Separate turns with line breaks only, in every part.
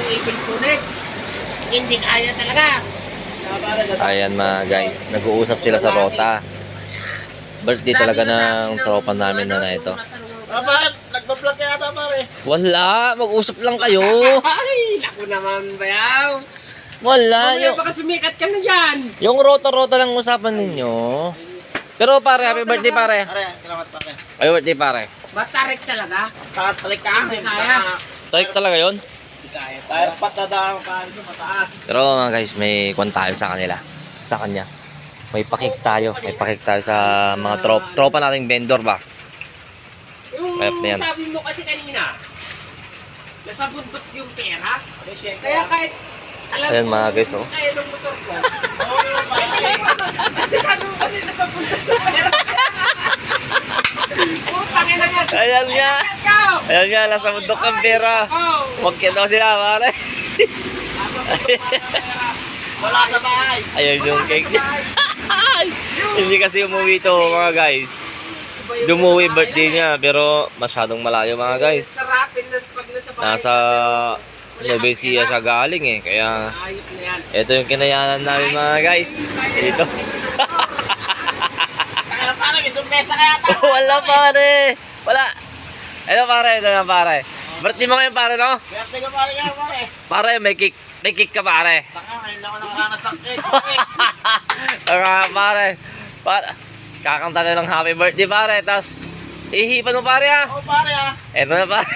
ipil punit. Hindi kaya talaga.
Ayan mga guys, nag-uusap sila sa Rota. Birthday talaga ng tropa namin na ito.
Bakit? Nagpa-vlog ka yata pare.
Wala, mag-usap lang kayo.
Ay, naku naman bayaw.
Wala,
Mamaya baka sumikat ka na dyan.
yung Rota-Rota lang usapan ninyo. Pero pare, happy birthday pare.
Pare, salamat pare.
Happy birthday pare.
Matarik talaga.
Tatalik ka.
Hindi kaya.
Tarik talaga yon.
Hindi kaya. Tayo patadaan ka rin mataas.
Pero mga guys, may kwan tayo sa kanila. Sa kanya. May pakik tayo. May pakik tayo sa mga tropa nating vendor ba.
Yung
Rep na yan.
sabi mo kasi kanina, nasa bundok yung pera. Kaya kahit alam
Ayan mga guys, oh.
kaya ng motor ko.
Oo, pare.
Sabi mo kasi nasa bundok yung pera. Putang ina nga.
Ayan nga.
Ikaw!
Ayan nga, nasa bundok ang pera.
Oh!
Huwag daw sila pare.
Wala sa bahay.
Ayun yung cake niya. Hindi kasi umuwi to mga guys. Dumuwi birthday niya pero masyadong malayo mga guys.
Sarapin na pag nasa bahay.
Nasa Nueva Ecija siya galing eh. Kaya
Ayos na yan.
ito yung kinayanan namin mga guys. Ito.
Kaya pare, may sumesa kaya tayo.
Wala pare. Wala. Ito pare, ito na pare. Birthday mo ngayon pare no?
Kaya tiga pare nga pare.
Pare, may cake ka pare.
Taka, ngayon lang ako nakaranas ng cake.
Pare. Kakanta na ng happy birthday pare. Tapos ihipan mo pare ah.
Oo pare ah.
Ito na pare.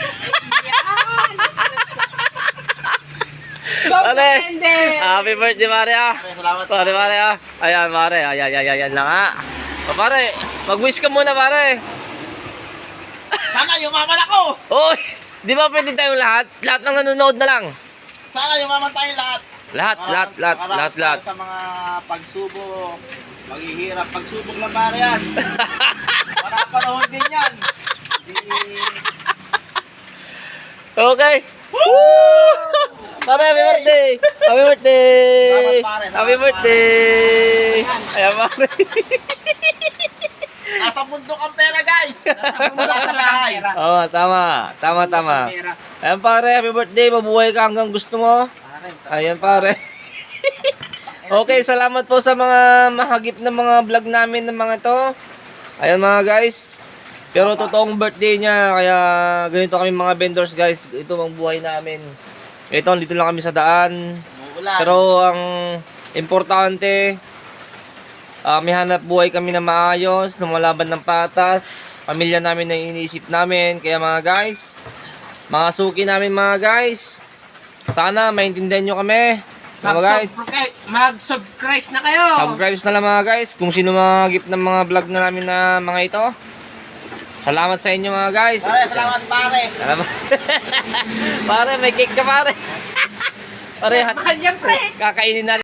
Go,
Pare.
Brende!
Happy birthday pare ah.
Pare, salamat
Pare ah. Ayan pare. Ayan lang ah. Pare, mag-wish ka muna pare.
Sana yumaman ako.
Oy, di ba pwede tayong lahat? Lahat ng nanonood na lang.
Sana yumaman tayong lahat.
Lahat.
Para sa mga pagsubok, maghihirap. Pagsubok lang pare yan. Para panahon din yan.
Okay. Woo! Pare, happy birthday! Happy birthday!
Salamat, pare. Salamat,
Happy birthday! Ayan pare.
Nasa bundok ang pera guys. Nasa bundok sa bahay.
Oo, tama.
Pera.
Ayan pare, happy birthday. Mabuhay ka hanggang gusto mo. Ayan pare. Okay, salamat po sa mga mahagip na mga vlog namin ng mga to. Ayan mga guys. Pero totoong birthday niya, kaya ganito kami mga vendors guys. Ito ang buhay namin. Ito, dito lang kami sa daan.
Uulan.
Pero ang importante, may hanap buhay kami na maayos, lumalaban ng patas. Pamilya namin na iniisip namin. Kaya mga guys, mga suki namin mga guys, sana maintindihan nyo kami. Mga guys,
Mag-subscribe na kayo.
subscribe na lang mga guys. Kung sino mga gift ng mga vlog na namin na mga ito. Salamat sa inyo mga guys.
Pare, salamat pare.
Salamat. Pare, may cake ka pare. Pare,
Mahal yan, pre.
kakainin natin.